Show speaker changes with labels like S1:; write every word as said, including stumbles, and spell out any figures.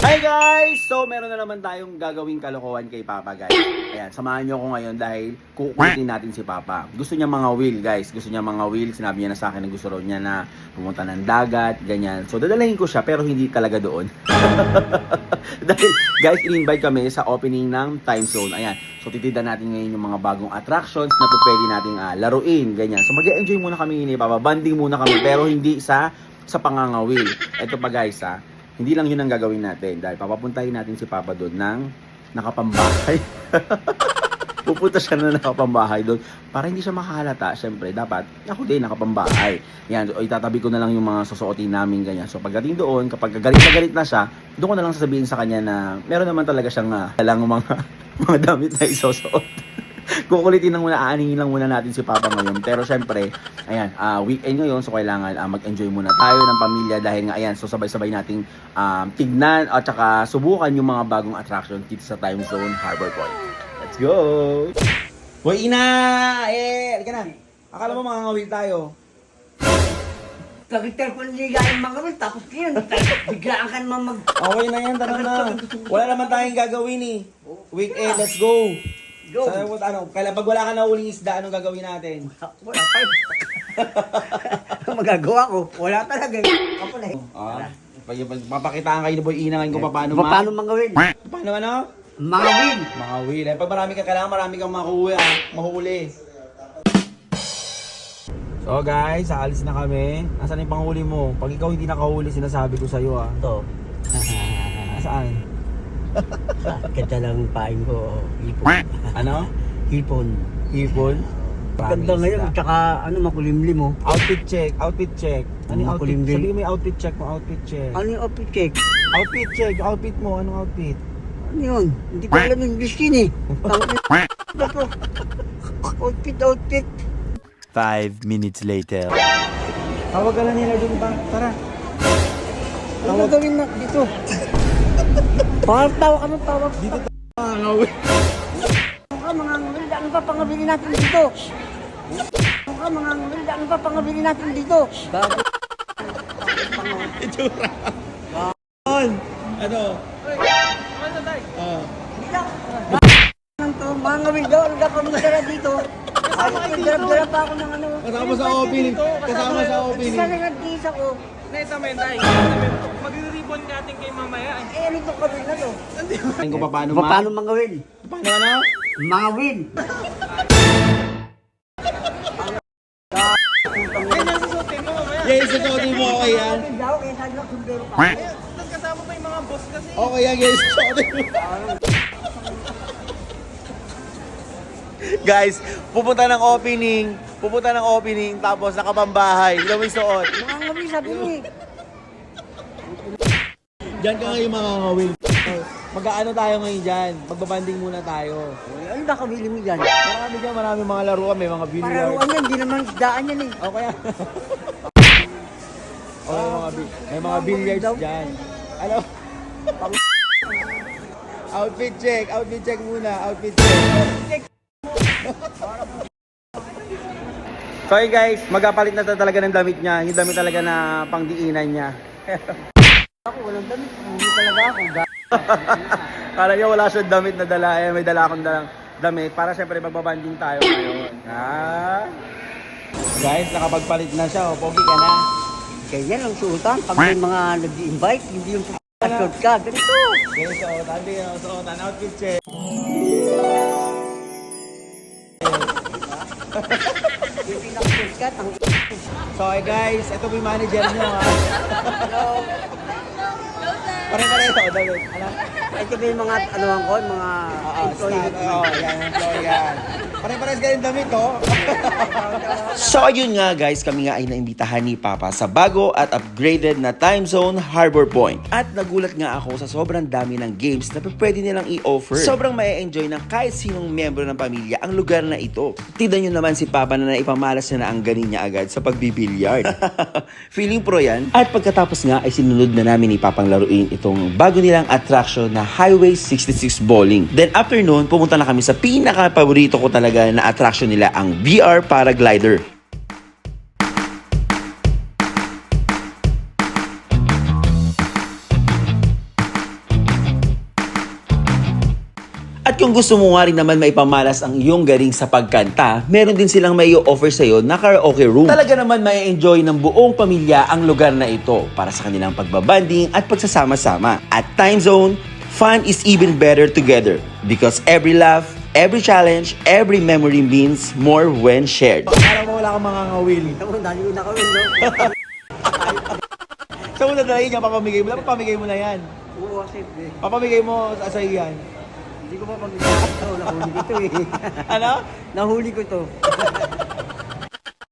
S1: Hi guys! So, meron na naman tayong gagawing kalokohan kay Papa, guys. Ayan, samahan nyo ako ngayon dahil kukulitin natin si Papa. Gusto niya mga wheel, guys. Gusto niya mga wheel. Sinabi niya na sa akin na gusto raw niya na pumunta ng dagat, ganyan. So, dadalhin ko siya pero hindi talaga doon. Dahil, guys, in-invite kami sa opening ng Time Zone. Ayan. So, titidan natin ngayon yung mga bagong attractions na pwede nating uh, laruin, ganyan. So, mag-enjoy muna kami ni Papa. Banding muna kami pero hindi sa sa pangangawil. Ito pa, guys, ha. Hindi lang yun ang gagawin natin dahil papapuntahin natin si Papa doon ng nakapambahay. Pupunta siya na nakapambahay doon para hindi siya makahalata. Siyempre, dapat ako din nakapambahay. Yan, so, itatabi ko na lang yung mga susuotin namin ganyan. So pagdating doon, kapag galit na galit na siya, doon ko na lang sasabihin sa kanya na meron naman talaga siyang uh, lang mga, mga damit na isusuot. Kukulitin lang muna, aaningin lang muna natin si Papa ngayon. Pero syempre, ayan, uh, weekend ngayon, so kailangan uh, mag-enjoy muna tayo ng pamilya dahil nga, ayan, so sabay-sabay nating um, tignan at saka subukan yung mga bagong attraction dito sa Time Zone Harbor Point. Let's go! Hoy, Ina! Eh, halika na. Akala mo mga ngawil tayo.
S2: Pag-itar ko niligayan mga kami, tapos yun, biglaan ka naman mag...
S1: Okay na yan, tara na. Wala naman tayong gagawin eh. Weekend, let's go!
S2: Go!
S1: Sa, ano, kailan, pag wala ka na uling isda, anong gagawin natin?
S2: Wala pa yun. Magagawa ko, wala talaga eh. Ako na eh.
S1: Ah, papakitaan kayo ni Boy Ina ngayon kung paano
S2: Ma- Paano mga win?
S1: Paano ano?
S2: Mga win!
S1: Mga wheel. Eh, pag marami ka kailangan, marami kang makuha, ah, mahuli. So guys, aalis na kami. Nasaan yung panghuli mo? Pag ikaw hindi nakahuli, sinasabi ko sa'yo ah.
S2: Ito.
S1: Saan?
S2: Ganda lang pain ko, hipon.
S1: Ano?
S2: Hipon.
S1: Hipon?
S2: Ganda ngayon, tsaka ano, makulimlim mo.
S1: Outfit check, outfit check. Ano yung outfit?
S2: Makulimlim.
S1: Sabihin mo yung outfit check mo, outfit check.
S2: Ano yung outfit check?
S1: Outfit check, outfit mo, anong outfit?
S2: Ano yun? Hindi ko alam yung English yun eh. Tangin. Outfit, outfit.
S3: Five minutes later.
S1: Tawag ka na nila dun pa, tara.
S2: Ano gagawin na dito? Parang tawa ka ng tawag.
S1: Dito tayo mga ngawil.
S2: Ano ka mga ngawil? Ano pa pangabili natin dito? Ano ka mga ngawil? Ano pa pangabili natin dito? Bago.
S1: Itsura. On. Ano? Ah.
S2: Hindi lang. Ano to? Mga ngawil daw. Ano ka kami tara dito? Ayos ko, darap-darap pa ako ng ano.
S1: Kasama sa opening. Kasama sa opening.
S2: Isa na nag-isa ko.
S4: Neta men tay. Magre-ribbon natin kay mamaya.
S2: Eh, ano itong kawil na to?
S1: Tingnan ko pa paano ma...
S2: Paano mga win?
S1: Paano ano?
S2: Mga win.
S4: Ganyan susutin mo mamaya.
S1: Yes, susuotin mo okay yan.
S2: Mga daw, kaya sabi lang sundero pa.
S4: Tapos kasama pa yung mga boss kasi.
S1: Okay yan guys, susuotin mo. Guys, pupunta ng opening. Pupunta ng opening tapos nakapambahay. Hindi mo suot.
S2: Mga ngawil, sabi mo eh.
S1: Diyan ka ngayon mga ngawil. Mag-aano tayo ngayon dyan? Magbabanding muna tayo.
S2: Ano ba kawili mo dyan?
S1: Marami dyan, marami mga laruan. May mga billiard.
S2: Pararuan yan, hindi naman isdaan yan eh.
S1: Okay yan. Oh, may mga, bi- may mga billiards dyan. Ano? Outfit check. Outfit check muna. Outfit check. So hey guys, magkapalit na talaga ng damit niya. Yung damit talaga na pangdiinan niya.
S2: Ako, walang damit. Hindi talaga ako.
S1: Kala niya wala siyang damit na dala. Eh, may dala akong dalang damit. Para syempre magbabanding tayo ngayon. Ha? Guys, nakapagpalit na siya. O, pogi ka na.
S2: Ganyan ang suotan. Pag may mga nag-invite, hindi yung short ka. Ganito.
S1: Guys, suotan din. Suotan. Outfit check.
S2: Yung pinaka-short ka, tang...
S1: So hey guys, ito po yung manager niyo ha.
S2: Hello.
S1: Pare-pare ito, David. Ano?
S2: Ito ba yung mga, ano ang ko, mga
S1: Oo,
S2: employee.
S1: staff. Oo, yan, employee yan. Pare-pares ka rin damit, oh.
S5: So ayun nga guys, kami nga ay naimbitahan ni Papa sa bago at upgraded na Time Zone Harbor Point. At nagulat nga ako sa sobrang dami ng games na pwede nilang i-offer. Sobrang mai-enjoy ng kahit sinong miyembro ng pamilya ang lugar na ito. Tignan nyo naman si Papa na naipamalas niya na ang ganin niya agad sa pagbibilyard. Feeling pro yan. At pagkatapos nga ay sinunod na namin ni Papang laruin itong bago nilang attraction na Highway sixty-six Bowling. Then after noon, pumunta na kami sa pinaka-paborito ko talaga na attraction nila, ang V R Paraglider. At kung gusto mo nga rin naman maipamalas ang iyong galing sa pagkanta, meron din silang may offer sa'yo na karaoke room. Talaga naman may enjoy ng buong pamilya ang lugar na ito para sa kanilang pagbabanding at pagsasama-sama. At Time Zone, fun is even better together because every laugh, every challenge, every memory means more when shared.
S1: Parang mo wala kang mga ngawil.
S2: Ako, dali ko na kami, no?
S1: Saan mo nadalayin niya? Papamigay mo. Dapat pamigay mo na yan.
S2: Oo, siyempre.
S1: Papamigay mo sa sa'yo yan.
S2: Hindi ko pa pag-ito. Nahuli ko ito eh.
S1: Ano?
S2: Nahuli ko ito.